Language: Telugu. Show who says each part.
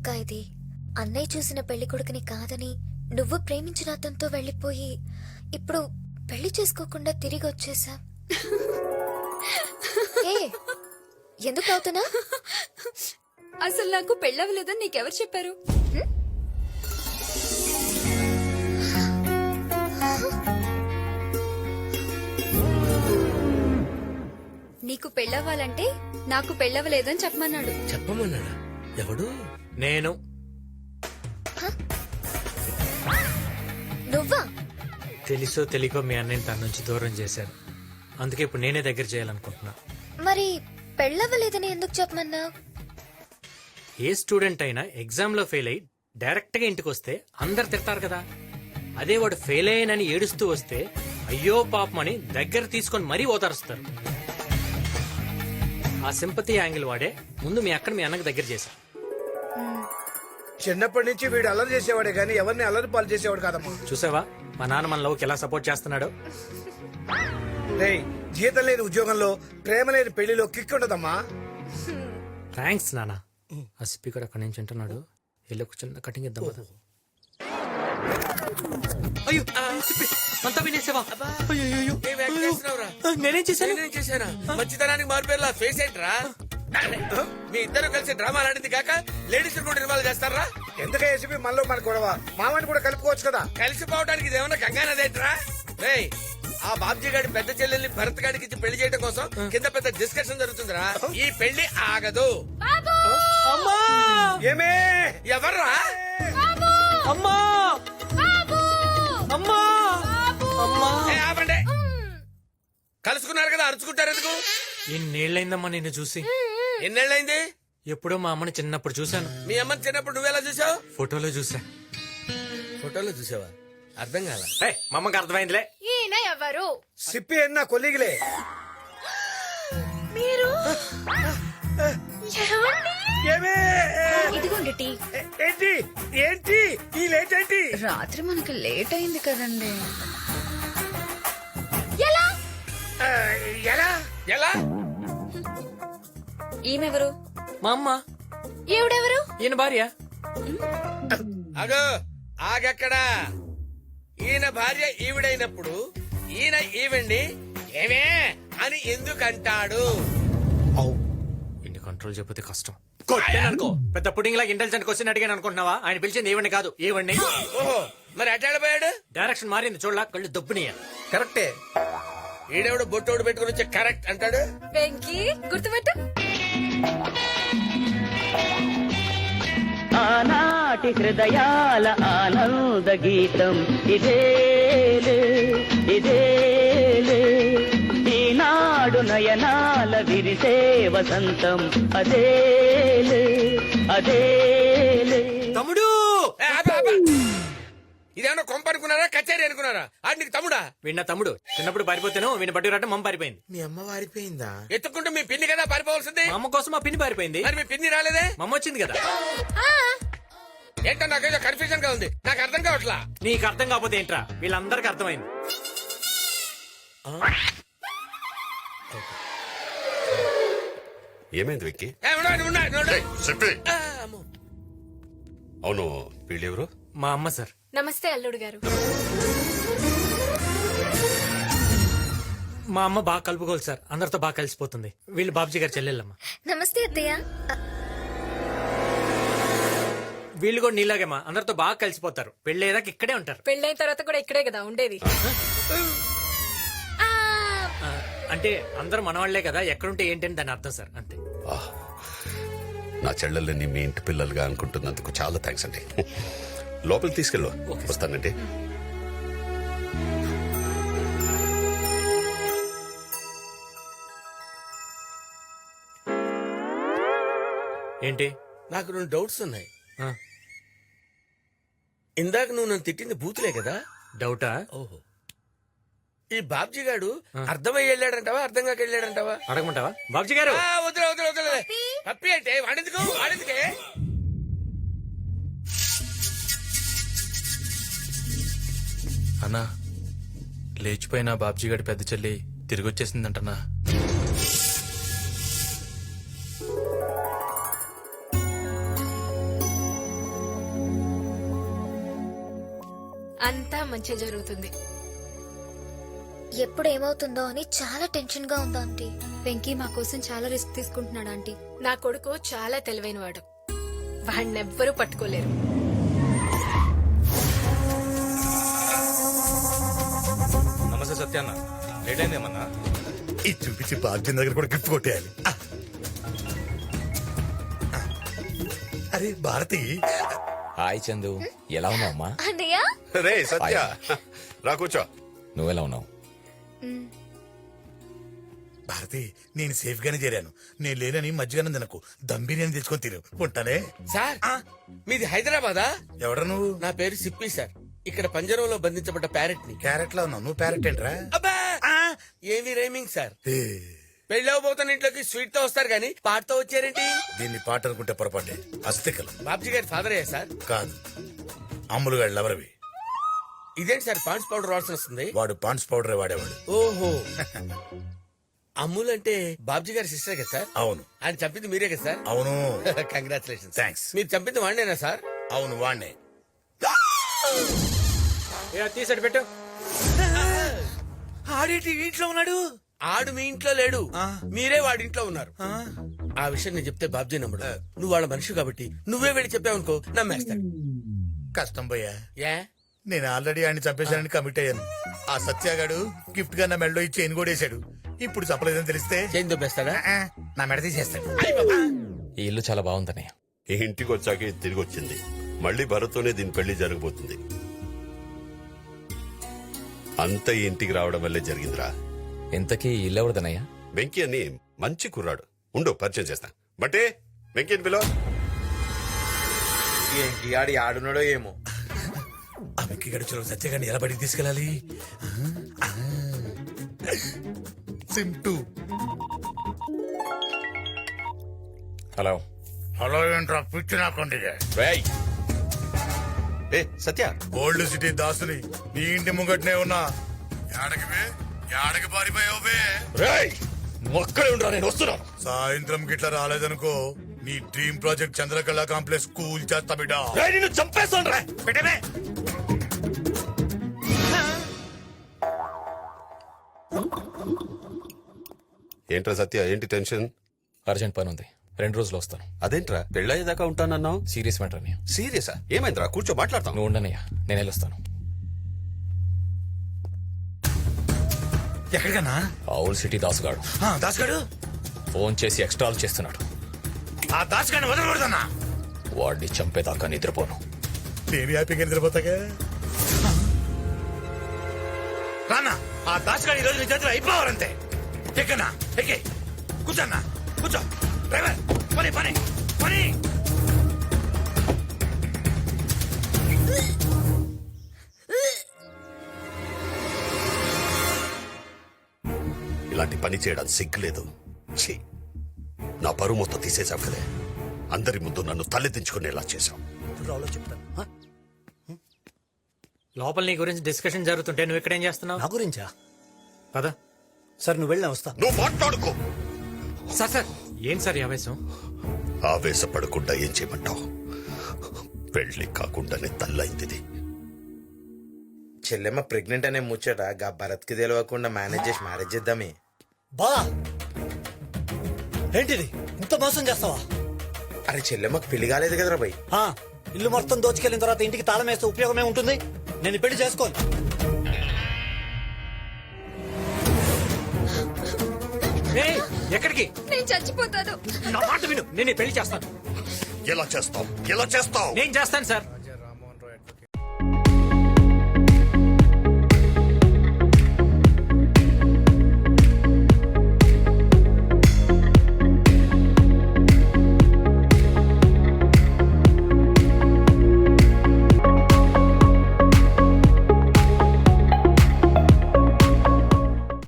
Speaker 1: అక్క ఇది? అన్నయ్య చూసిన పెళ్లి కొడుకుని కాదని నువ్వు ప్రేమించిన అతనితో వెళ్ళిపోయి ఇప్పుడు పెళ్లి చేసుకోకుండా తిరిగి వచ్చేసా. ఎందుకు అవుతున్నా?
Speaker 2: అసలు నాకు పెళ్ళవలేదని నీకెవరు చెప్పారు? నీకు పెళ్ళవ్వాలంటే నాకు పెళ్ళవలేదని చెప్పమన్నాడు.
Speaker 3: చెప్పమన్నాడా? ఎవడు?
Speaker 4: నేను.
Speaker 1: నువ్వా?
Speaker 4: తెలుసో తెలియకో మీ అన్నయ్యని తన నుంచి దూరం చేశాను. అందుకే ఇప్పుడు నేనే దగ్గర చేయాలనుకుంటున్నా.
Speaker 1: మరి పెళ్ళవ్వలేదని ఎందుకు చెప్పమన్నా?
Speaker 4: ఏ స్టూడెంట్ అయినా ఎగ్జామ్ లో ఫెయిల్ అయ్యి డైరెక్ట్ గా ఇంటికి వస్తే అందరు తిడతారు కదా. అదే వాడు ఫెయిల్ అయ్యానని ఏడుస్తూ వస్తే అయ్యో పాపమని దగ్గర తీసుకొని మరీ ఓదారుస్తారు. ఆ సింపతి యాంగిల్ వాడే ముందు మీ అక్కడ మీ అన్నకు దగ్గర చేశా.
Speaker 5: చిన్నప్పటి నుంచి వీడు అల్లరి చేసేవాడే గానీ ఎవరిని అల్లరి పాలు చేసేవాడు కాదమ్మా.
Speaker 4: చూసావా మా నాన్న మన లవ్కి ఎలా సపోర్ట్ చేస్తున్నాడు.
Speaker 5: రేయ్, జీతం లేని ఉద్యోగంలో ప్రేమ లేని పెళ్లిలో కిక్ ఉండదమ్మా.
Speaker 4: థ్యాంక్స్ నాన్న. ఆ సిప్పి కూడా అక్కడి నుంచి ఉంటున్నాడు. వెళ్ళి ఒక చిన్న కటింగ్ ఇద్దాం కదా. అయ్యో సిప్పి, అంతా వినేసావా? నేనేం చేశాను?
Speaker 3: మంచితనానికి మారిపోయేలా ఫేస్ ఏంట్రా? మీ ఇద్దరు కలిసి డ్రామా ఆడింది కాక లేడీస్ కూడా ఇన్వాల్వ్ చేస్తారా?
Speaker 5: ఎందుకే ఏసీపీ మనలో మన గొడవ? మామని కూడా కలుపుకోవచ్చు కదా.
Speaker 3: కలిసిపోవడానికి ఇదేమన్నా కంగానదేంట్రా? రేయ్, ఆ బాబ్జీ గారి పెద్ద చెల్లెల్ని భరత్ గారికి ఇచ్చి పెళ్లి చేయడం కోసం కింద పెద్ద డిస్కషన్ జరుగుతుందిరా. ఈ పెళ్లి ఆగదు.
Speaker 5: ఏమే?
Speaker 3: ఎవర్రా?
Speaker 4: అమ్మా అమ్మా అమ్మా!
Speaker 3: ఆపండి. కలుసుకున్నారు కదా, అరుచుకుంటారు ఎందుకు?
Speaker 4: ఎన్నేళ్లైందమ్మా నిన్ను చూసి?
Speaker 3: ఎన్నేళ్ళైంది?
Speaker 4: ఎప్పుడో మా అమ్మని చిన్నప్పుడు చూశాను.
Speaker 3: మీ అమ్మని చిన్నప్పుడు నువ్వెలా చూసావు?
Speaker 4: ఫోటోలో చూసా.
Speaker 3: ఫోటోలో చూసావా? అర్థం కాల.
Speaker 4: మా అమ్మకి అర్థమైందిలే.
Speaker 2: ఈయన ఎవరు?
Speaker 5: సిప్పి అన్న కొలిగిలే.
Speaker 2: మీరు
Speaker 5: ఏమే?
Speaker 2: ఇదిగోండి టీ.
Speaker 5: ఏంటి ఏంటి ఈ లేట్ ఏంటి?
Speaker 2: రాత్రి మనకి లేట్ అయింది కదండి.
Speaker 5: ఆ, ఎలా?
Speaker 3: ఎలా?
Speaker 2: ఈమెవరు?
Speaker 4: మా అమ్మ.
Speaker 2: ఈవిడెవరు?
Speaker 4: ఈయన భార్య.
Speaker 3: అగో ఆగక్కడా. ఈయన భార్య ఈవిడైనప్పుడు ఈయన ఈవిడ్ని ఏమే అని ఎందుకంటాడు?
Speaker 4: ఇన్ని కంట్రోల్ చెప్పితే కష్టం. కొట్టాననుకో పెద్ద పుడింగ్ లాగా ఇంటెలిజెంట్ క్వశ్చన్ అడిగాను అనుకుంటున్నావా? ఆయన పిలిచింది ఏవండి కాదు ఏవండి.
Speaker 3: ఓహో, మరి అటాడిపోయాడు.
Speaker 4: డైరెక్షన్ మారింది చూడలా, కళ్ళు దొబ్బునియా.
Speaker 3: కరెక్టే. ఈడెవడు బొట్టోడు పెట్టుకుని వచ్చి కరెక్ట్ అంటాడు.
Speaker 2: వెంకీ గుర్తుపెట్టు.
Speaker 6: ఆనాటి హృదయాల ఆనంద గీతం ఇదేలే ఇదేలే, ఈనాడు నయనాల విరిసే వసంతం అదేలే అదేలే.
Speaker 4: తమ్ముడు!
Speaker 3: ఏ, ఆపు, ఆపు. ఇదేమన్నా కొంప అనుకున్నారా, కచేరీ అనుకున్నారా? ఆడు నీకు తమ్ముడా?
Speaker 4: వీడిన తమ్ముడు. చిన్నప్పుడు పారిపోతాను, వీడిని బట్టి రావటం మమ్మ పారిపోయింది.
Speaker 3: మీ అమ్మ వారిపోయిందా? ఎత్తుకుంటూ మీ పిన్ని కదా పారిపోవాల్సింది.
Speaker 4: మా అమ్మ కోసం మా పిన్ని పారిపోయింది.
Speaker 3: మరి మీ పిన్ని రాలేదే?
Speaker 4: మమ్మ వచ్చింది కదా.
Speaker 3: ఏంటో నాకేదో కన్ఫ్యూజన్ గా ఉంది, నాకు అర్థం కావట్లా.
Speaker 4: నీకు అర్థం కాకపోతే ఏంట్రా? వీళ్ళందరికీ అర్థమైంది.
Speaker 7: ఏమైంది వెక్కి?
Speaker 3: ఏ, ఉండు, ఉండు, ఉండు.
Speaker 7: చెప్పి.
Speaker 3: ఆ, అమ్మో.
Speaker 7: అవును, వీళ్ళెవరు?
Speaker 4: మా అమ్మ సార్.
Speaker 2: నమస్తే అల్లుడు గారు.
Speaker 4: మా అమ్మ బాగా కలుపుకోవాలి సార్, అందరితో బాగా కలిసిపోతుంది. వీళ్ళు బాబుజీ గారు చెల్లెళ్ళమ్మ.
Speaker 1: నమస్తే అత్తయ్య.
Speaker 4: వీళ్ళు కూడా నీలాగేమా అందరితో బాగా కలిసిపోతారు. పెళ్ళేదాకా ఇక్కడే ఉంటారు.
Speaker 2: పెళ్ళైన తర్వాత కూడా ఇక్కడే కదా ఉండేది.
Speaker 4: ఆ, అంటే అందరూ మనవాళ్లే కదా, ఎక్కడుంటే ఏంటని దాని అర్థం సార్, అంతే.
Speaker 7: ఆహ్, నా చెల్లెల్ని మీ ఇంటి పిల్లలుగా అనుకుంటున్నందుకు చాలా థ్యాంక్స్ అండి. లోపలికి తీసుకెళ్ళు. వస్తానండి.
Speaker 4: ఏంటి?
Speaker 3: నాకు 2 డౌట్స్ ఉన్నాయి.
Speaker 4: ఆ,
Speaker 3: ఇందాక నువ్వు నన్ను తిట్టింది బూతులే కదా?
Speaker 4: డౌటా?
Speaker 3: ఓహో. ఈ బాబ్జీ గాడు అర్థమయ్యి వెళ్ళాడంటావా, అర్థం కాక వెళ్ళాడంటావా?
Speaker 4: అడగమంటావా బాబుజీ గారు?
Speaker 3: వదిలే వదిలే వదిలే. పప్పి అంటే వాడెందుకు, వాడెందుకే?
Speaker 8: అన్నా, లేచిపోయిన బాబ్జీ గడి పెద్ద చెల్లి తిరిగి వచ్చేసిందంటనా?
Speaker 2: అంతా మంచి జరుగుతుంది.
Speaker 1: ఎప్పుడు ఏమవుతుందో అని చాలా టెన్షన్ గా ఉంది ఆంటీ.
Speaker 9: వెంకీ మా కోసం చాలా రిస్క్ తీసుకుంటున్నాడు ఆంటీ.
Speaker 2: నా కొడుకు చాలా తెలివైన వాడు, వాడినెవ్వరూ పట్టుకోలేరు.
Speaker 8: నమస్తే సత్యాన్న, లేట్ అయిందేమన్నా?
Speaker 5: ఇది చూపించి బాబ్జీ దగ్గర కూడా గిఫ్ట్ కొట్టేయాలి. అరే భారతి,
Speaker 10: హాయ్ చందు, ఎలా ఉన్నావు అమ్మా?
Speaker 1: అన్నయ్య
Speaker 7: రే సత్య, రా కూర్చో.
Speaker 10: నువ్వెలా ఉన్నావు?
Speaker 5: భారతి నేను సేఫ్ గానే చేరాను. నేను లేనని మధ్యగానే తినకు, దమ్ బిర్యానీ తెచ్చుకొని తిరు. ఉంటానే.
Speaker 3: సార్ మీది హైదరాబాదా?
Speaker 5: ఎవడ నువ్వు?
Speaker 3: నా పేరు సిప్పి సార్. ఇక్కడ పంజరంలో బంధించబడ్డ ప్యారెట్ ని.
Speaker 5: క్యారెట్ లో ఉన్నావు నువ్వు, ప్యారెట్ ఏంట్రా?
Speaker 3: అబ్బా ఏమి రైమింగ్ సార్.
Speaker 5: ఏ,
Speaker 3: పెళ్ళవబోతున్న ఇంట్లోకి స్వీట్ తో వస్తారు గానీ పాటతో వచ్చారేంటి?
Speaker 5: దీన్ని పాట అనుకుంటే పొరపాటే. అస్థికలు
Speaker 3: బాబ్జీ గారి ఫాదర్ అయ్యా సార్?
Speaker 5: కాదు, అమ్ములు గారు లవరవి.
Speaker 3: ఇదేంటి సార్ పాండ్స్ పౌడర్ వాసన వస్తుంది?
Speaker 5: వాడు పాండ్స్ పౌడరే వాడేవాడు.
Speaker 3: ఓహో అమ్ముల్ అంటే బాబ్జీ గారి సిస్టర్ కదా సార్?
Speaker 5: అవును
Speaker 3: ఆయన చంపింది మీరే కదా సార్?
Speaker 5: అవును.
Speaker 3: కంగ్రాచులేషన్.
Speaker 5: థ్యాంక్స్.
Speaker 3: మీరు చంపింది వాడినేనా సార్?
Speaker 5: అవును వాణ్ణే.
Speaker 4: తీసాడు పెట్టు.
Speaker 3: ఆడేటి ఇంట్లో ఉన్నాడు? ఆడు మీ ఇంట్లో లేడు, మీరే వాడి ఇంట్లో ఉన్నారు. ఆ విషయం నేను చెప్తే బాబ్జీ నమ్మడు. నువ్వు వాళ్ళ మనిషి కాబట్టి నువ్వే వెళ్ళి చెప్పావనుకో నమ్మేస్తాడు.
Speaker 5: కష్టం పోయా,
Speaker 3: ఏ
Speaker 5: నేను ఆల్రెడీ ఆయన్ని చంపేశానని కమిట్ అయ్యాను. ఆ సత్యాగాడు గిఫ్ట్ గా నా మెడలో ఇచ్చి చైన్ కొడేశాడు. ఇప్పుడు చెప్పలేదని తెలిస్తే
Speaker 3: చేంజ్ దొబ్బేస్తాడా?
Speaker 5: నా మెడ తీసేస్తాడు.
Speaker 10: ఈ ఇల్లు చాలా బాగుందన్నయ్య.
Speaker 7: ఈ ఇంటికి వచ్చాక ఇది తిరిగి వచ్చింది. మళ్ళీ భరత్తోనే దీని పెళ్లి జరగబోతుంది. అంత ఈ ఇంటికి రావడం వల్లే జరిగిందిరా.
Speaker 10: ఇంతకీ ఈ ఇల్లు ఎవరిదన్నయ్య?
Speaker 7: వెంకీ అని మంచి కుర్రాడు. ఉండు పరిచయం చేస్తా. బట్టే వెంకీ పిలో.
Speaker 3: ఏంటి ఆడి ఆడున్నాడో ఏమో.
Speaker 5: ఆ వెక్కి గడుచులో సత్యగాడిని ఎలా బడికి తీసుకెళ్ళాలి? సింటూ.
Speaker 10: హలో.
Speaker 5: హలో ఏంట్రా పిచ్చి నాకండి.
Speaker 10: రేయ్,
Speaker 7: ఏ సత్య,
Speaker 5: ఓల్డ్ సిటీ దాసుని నీ ఇంటి ముంగట్నే ఉన్నా. యాడకి పారిపోయావు బే?
Speaker 10: రేయ్, నువ్వు అక్కడే ఉండరా, నేను వస్తున్నాను.
Speaker 5: సాయంత్రం గిట్లా రాలేదనుకో నీ dream project Chandrakala complex cool చేస్తా బిడ్డ.
Speaker 10: రేయ్, నిన్ను చంపేస్తాను రా.
Speaker 5: పెట్టమే.
Speaker 7: ఏంట్రా సత్య, ఏంటి టెన్షన్?
Speaker 10: అర్జెంట్ పని ఉంది, 2 రోజులు వస్తాను.
Speaker 7: అదేంట్రా పెళ్ళయ్యేదాకా ఉంటానన్నావు?
Speaker 10: సీరియస్ మ్యాటర్ అన్నయ్య.
Speaker 7: సీరియసా? ఏమైందిరా? కూర్చో మాట్లాడతాం.
Speaker 10: నువ్వు ఉండనయ్యా, నేను వెళ్ళొస్తాను.
Speaker 5: ఎక్కడికన్నా?
Speaker 10: ఆ ఓల్డ్ సిటీ దాసుగాడు
Speaker 5: దాసుగాడు
Speaker 10: ఫోన్ చేసి ఎక్స్ట్రాలు చేస్తున్నాడు.
Speaker 5: ఆ దాసుగాడిని వదలకూడదన్నా.
Speaker 10: వాడిని చంపేదాకా నిద్రపోను.
Speaker 5: నేను హ్యాపీగా నిద్రపోతాగా. రానా ఆ దాసుగాడి ఈరోజు నీ చేతిలో అయిపోవాలంతే. ఎక్కన్నా ఎక్కే కూర్చోన్నా కూర్చో. డ్రైవర్ పని పని పని.
Speaker 7: ఇలాంటి పని చేయడానికి సిగ్గులేదు. ఛీ, నా పరువు మొత్తం తీసేశావు కదే. అందరి ముందు నన్ను తలెత్తించుకునేలా చేశావు.
Speaker 4: లోపల నీ గురించి డిస్కషన్ జరుగుతుంటే నువ్వు ఇక్కడేం చేస్తున్నావు?
Speaker 11: నా గురించా?
Speaker 4: కదా
Speaker 11: సార్ నువ్వు వెళ్ళినా వస్తా.
Speaker 7: నువ్వు మాట్లాడుకో.
Speaker 4: సార్ సార్ ఏం సార్ ఈ ఆవేశం?
Speaker 7: ఆవేశపడకుండా ఏం చేయమంటావు? పెళ్లి కాకుండానే తల్లైంది.
Speaker 3: చెల్లెమ్మ ప్రెగ్నెంట్ అనే ముచ్చట గా భరత్ కి తెలియకుండా మేనేజ్ చేసి మ్యారేజ్ చేద్దామే.
Speaker 11: బా ఏంటిది ఇంత మోసం చేస్తావా?
Speaker 3: అరే చెల్లెమ్మకి పెళ్లి కాలేదు కదరా భయ్.
Speaker 11: ఆ, ఇల్లు మొత్తం దోచుకెళ్ళిన తర్వాత ఇంటికి తాళం వేస్తే ఉపయోగమే ఉంటుంది. నేను ఈ పెళ్లి చేసుకోను.
Speaker 4: ఏయ్, ఎక్కడికి?
Speaker 1: నేను చచ్చిపోతాను.
Speaker 4: నా మాట విను, నేను ఈ పెళ్లి చేస్తాను.
Speaker 7: ఎలా చేస్తావు? ఎలా చేస్తావు?
Speaker 4: నేను చేస్తాను సార్.